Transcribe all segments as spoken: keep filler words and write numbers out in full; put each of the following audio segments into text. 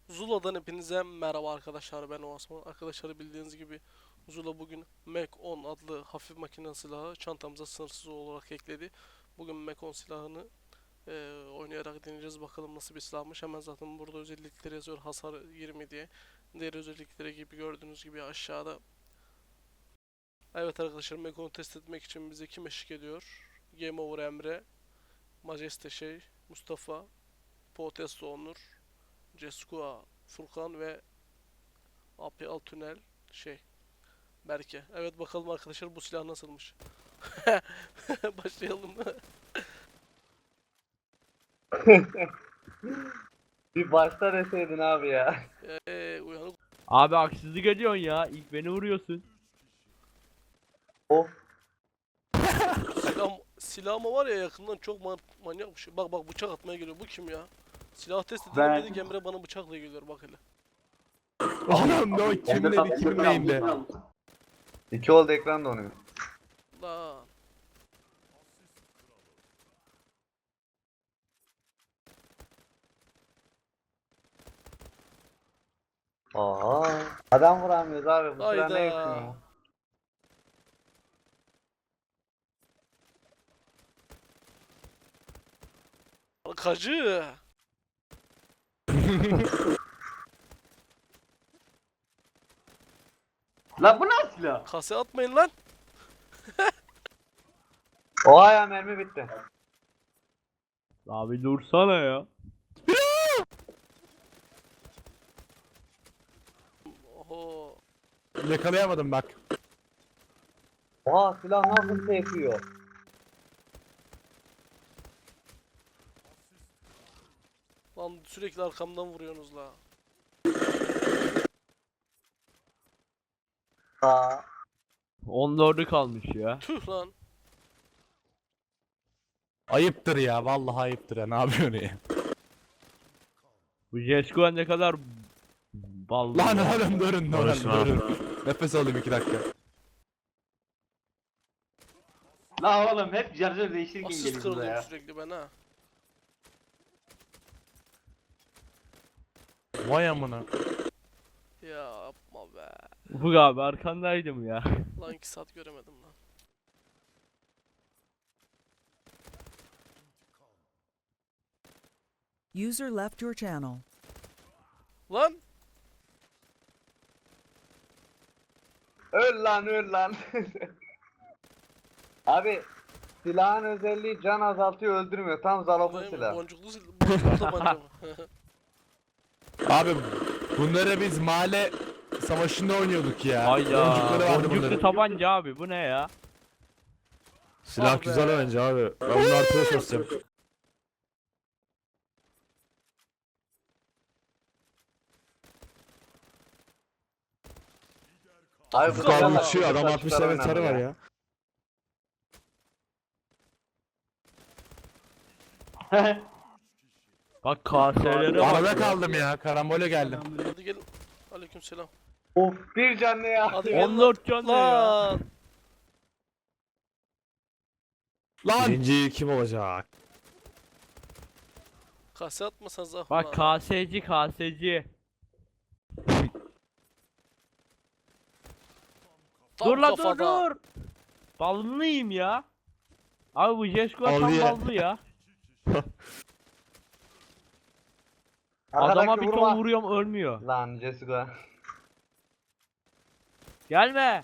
Zula'dan hepinize merhaba arkadaşlar, ben Osman. Arkadaşlar, bildiğiniz gibi Zula bugün Mac on adlı hafif makine silahı çantamıza sınırsız olarak ekledi. Bugün Mac on silahını e, oynayarak deneyeceğiz, bakalım nasıl bir silahmış. Hemen zaten burada özellikleri yazıyor, hasar yirmi diye. Diğer özellikleri gibi gördüğünüz gibi aşağıda. Evet arkadaşlar, Mac on'u test etmek için bize kim eşlik ediyor? Game Over Emre, Majeste şey, Mustafa, Potesto Onur, Ceskua Furkan ve A P Altünel şey Berke. Evet, bakalım arkadaşlar, bu silah nasılmış. Başlayalım mı? Bir başta deseydin abi ya. Eee uyanık. Abi haksızlık ediyorsun ya. İlk beni vuruyorsun. Of. Silah, silah mı var ya, yakından çok man manyak bir şey. Bak bak, bıçak atmaya geliyor. Bu kim ya? Silah test edelim Ben- dedik, Emre bana bıçakla geliyor, bak hele. Anam ne o kimin evi kimin neyinde? İki oldu, ekran donuyor. Lan. Aa, adam vuramıyoruz abi. Bu sıra ne Hayda. yapıyor? Kacı. La bu nasıl la? Kase atmayın lan. Oha ya, mermi bitti. Abi dursana ya. Oho. Yakalayamadım bak. Oha, silah nasıl sekiyor? Lan sürekli arkamdan vuruyorsunuz la. Aa, on dördü kalmış ya. Tüh lan. Ayıptır ya, vallahi ayıptır ya, ne yapıyorsun ya? Bu Jesko ne kadar ballı. Lan ya. oğlum durun durun durun. Nefes alayım iki dakika. la oğlum hep şarjör değiştirirken Asist geliyorsunuz kırılıyorum ya. sürekli ben ha. Vay amına. Ya yapma be. Ufuk abi arkandaydım ya. Lan iki saat göremedim lan. User left your channel. Lan. Öl lan öl lan. Abi silahın özelliği can azaltıyor, öldürmüyor. Tam zaloplu Buradayım, silah. boncuklu sil boncuklu tabanca mı? Abi bunları biz mahalle savaşında oynuyorduk ya. Hayda. Boncukları vardı Boncuklu bunların. tabanca abi, bu ne ya? Silah Ah be. güzel bence abi. Ben bunu artıya çalışacağım. Abi Ufuk Ufuk abi Allah. uçuyor, adam Saçlar altmış level önemli sarı var ya. ya. Bak K S'lere Arada bak. kaldım ya, karambole geldim. Hadi gelin. Aleykümselam. Of, bir canlı ya. Hadi gelin. on dört can ne ya? Lan. Lan! Birinci kim olacak? Kase atmasanız ah Bak lan. K S'ci K S'ci. Tam Dur lan dur kafada. dur. Ballıyım ya. Abi bu Jesko tam Ballı ya. ballı ya. Adama Arkadaki bir vurma. ton vuruyorum ölmüyor. Lan Jessica. Gelme.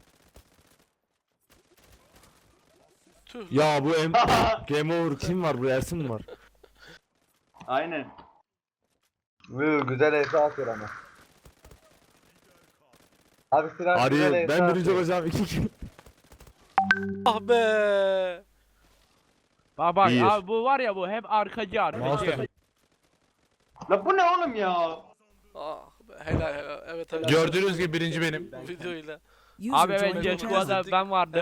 Tüh lan. Ya bu em Game Over kim var, bu Ersin mi var? Aynen. Vuu, güzel ese atıyor ama. Abi silah güzel Ari ese ben birinci atıyor. olacağım, iki kim? Ah be. Bak bak Bir. abi bu var ya, bu hep arkacı arkacı. Mouse La bu ne oğlum ya? Ah be. Helal helal. Evet evet. Gördüğünüz gibi birinci benim. Bu videoyla. User Abi evet joined your Jesko'da channel. ben vardım.